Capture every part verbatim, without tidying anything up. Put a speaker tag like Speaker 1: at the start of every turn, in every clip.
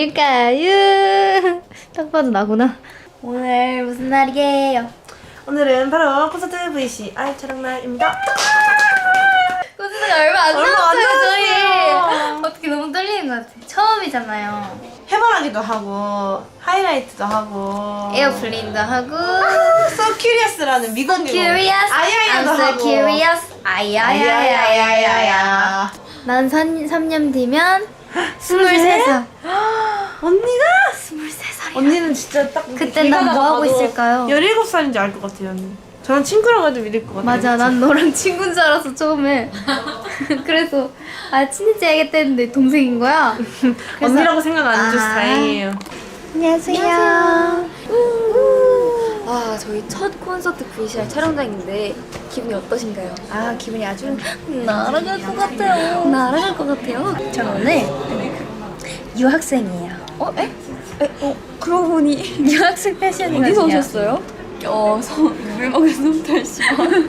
Speaker 1: 날일까요? 딱 봐도 나구나. 오늘 무슨 날이에요?
Speaker 2: 오늘은 바로 콘서트 브이씨 아이 촬영 날입니다.
Speaker 1: 콘서트가 얼마 안
Speaker 2: 얼마 안
Speaker 1: 남았어요, 저희.
Speaker 2: 남았어요.
Speaker 1: 어떻게 너무 떨리는 것 같아. 처음이잖아요.
Speaker 2: 해바라기도 하고 하이라이트도 하고
Speaker 1: 에어플레인도 하고
Speaker 2: So Curious라는 미국
Speaker 1: So curious,
Speaker 2: 아야야도
Speaker 1: I'm so
Speaker 2: 하고
Speaker 1: curious, 아야야야야야야.
Speaker 2: 아야야야야야.
Speaker 1: 난 삼 년 뒤면 스물세 살.
Speaker 2: 언니가
Speaker 1: 스물세 살이야.
Speaker 2: 언니는 진짜 딱
Speaker 1: 그때
Speaker 2: 길
Speaker 1: 난
Speaker 2: 가다가
Speaker 1: 뭐 하고
Speaker 2: 봐도
Speaker 1: 있을까요?
Speaker 2: 열일곱 살인지 알 것 같아요 언니. 저는 친구라고 해도 믿을 것 같아요.
Speaker 1: 맞아,
Speaker 2: 진짜.
Speaker 1: 난 너랑 친구인 줄 알았어 처음에. 그래서 아 친해져야겠다 했는데 동생인 거야. 그래서-
Speaker 2: 언니라고 생각 안 해줘서
Speaker 1: 아.
Speaker 2: 다행이에요.
Speaker 1: 안녕하세요.
Speaker 3: 아, 저희 첫 콘서트 브이씨알 촬영장인데 기분이 어떠신가요?
Speaker 1: 아 기분이 아주 날아갈 것 같아요. 날아갈 것 같아요. 전 오늘 유학생이에요.
Speaker 3: 어? 에? 에? 어? 그러고 보니
Speaker 1: 유학생 패션이거든요.
Speaker 3: 어디서 오셨어요? 어, 서, 물 먹은 솜털 씨.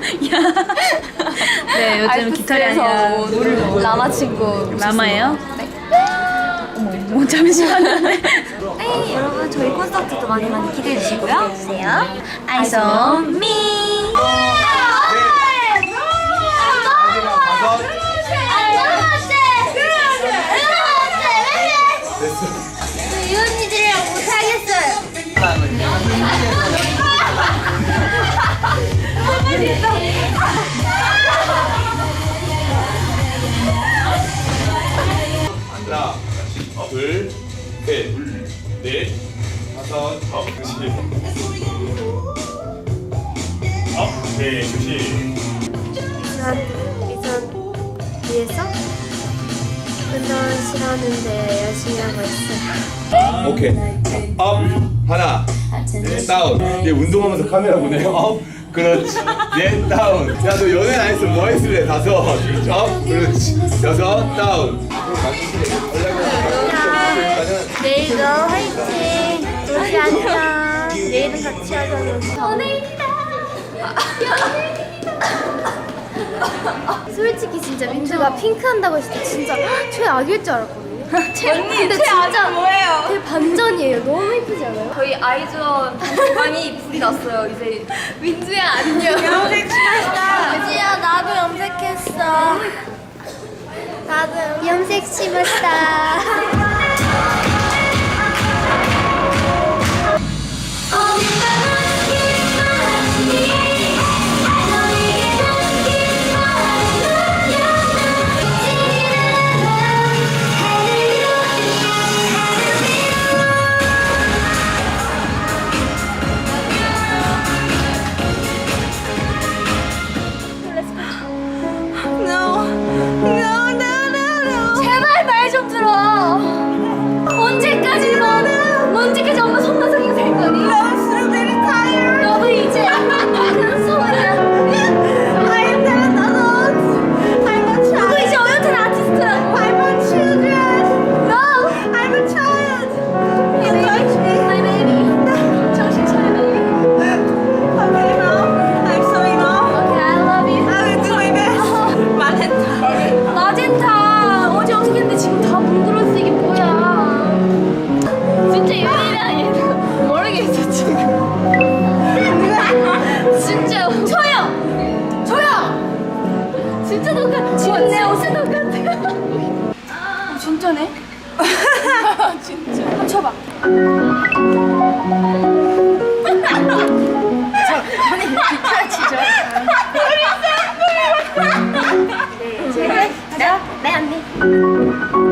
Speaker 1: 네, 요즘 깃털이 아니라
Speaker 3: 노를 라마 친구
Speaker 1: 라마예요?
Speaker 3: 네.
Speaker 1: 어머, 뭐 잠시만요.
Speaker 3: 네, 여러분 저희 콘서트도 많이 많이 기대해 주시고요.
Speaker 1: 주세요. Eyes on me. 이 언니들이랑 못하겠어요.
Speaker 4: 하나, 둘, 셋, 넷, 다섯, 여섯, 업, 네, 조심.
Speaker 5: 이선, 이선 위에서 운동 싫어하는데 열심히 하고 있어요.
Speaker 4: 오케이. 업, 하나, 다운. 얘 운동하면서 카메라 보네. 업, 그렇지. 넷, 다운. 야, 너 연애 안 했으면 뭐 했을래? 다섯, 업, 그렇지. 여섯, 다운.
Speaker 5: 내일도 화이팅! 울지 않자. 내일은 같이 하자고. 연예인이다! 솔직히 진짜 민주가 핑크 한다고 했을 때 진짜 최악일 줄 알았거든요. 근데 진짜
Speaker 3: 뭐예요?
Speaker 5: 되게 반전이에요. 너무 예쁘지 않아요?
Speaker 3: 저희 아이즈원 단톡방이 불이 났어요. 이제
Speaker 5: 민주야 안녕. 염색했다. 민주야 나도 염색했어. 나도 염색 심었다.
Speaker 1: 제발 말 좀 들어. 언제까지 너, 언제까지 엄마 손바닥이 될 거니? 너도 이제 큰 소리야. 너도 이제 어엿한 아티스트라고. No. My baby. 정신 차려, baby. Okay, I love you. 마젠타. 어제 어떻게 했는데 지금 다 뭉그렀어. 이게 뭐야? 진짜 유일이야 얘는. 모르겠어 지금. 진짜 조용! 조용! 진짜 똑같아. 지금 내 옷에 똑같아. 어, 진짜네? 진짜. 한번 쳐봐. 저, 아니 기타 치죠. 네, 언니.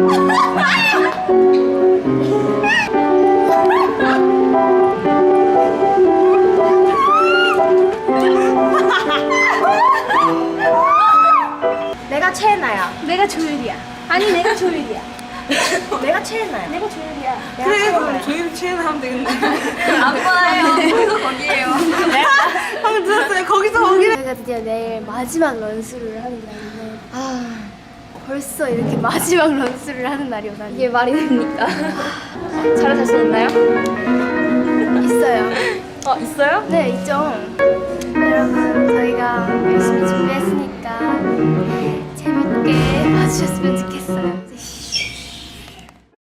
Speaker 5: 내가 최애나야.
Speaker 1: 내가 조율이야.
Speaker 5: 아니 내가 조율이야. 내가 최애나야. 내가 조율이야. 내가
Speaker 2: 그래
Speaker 5: 최애나야.
Speaker 2: 그럼 조율 취해나 하면 되겠네.
Speaker 3: 안 봐요. 거기서 거기에요.
Speaker 2: 방금 들었어요. 거기서 거기래.
Speaker 5: 저희가 드디어 내일 마지막 런스를 하는 날인데 아 벌써 이렇게 마지막 런스를 하는 날이 오다니.
Speaker 3: 이게 말이 됩니까? 잘하셨었나요?
Speaker 5: 있어요.
Speaker 3: 어, 있어요?
Speaker 5: 네 있죠. 여러분 저희가 열심히 준비했으니까 재밌게 봐주셨으면 좋겠어요.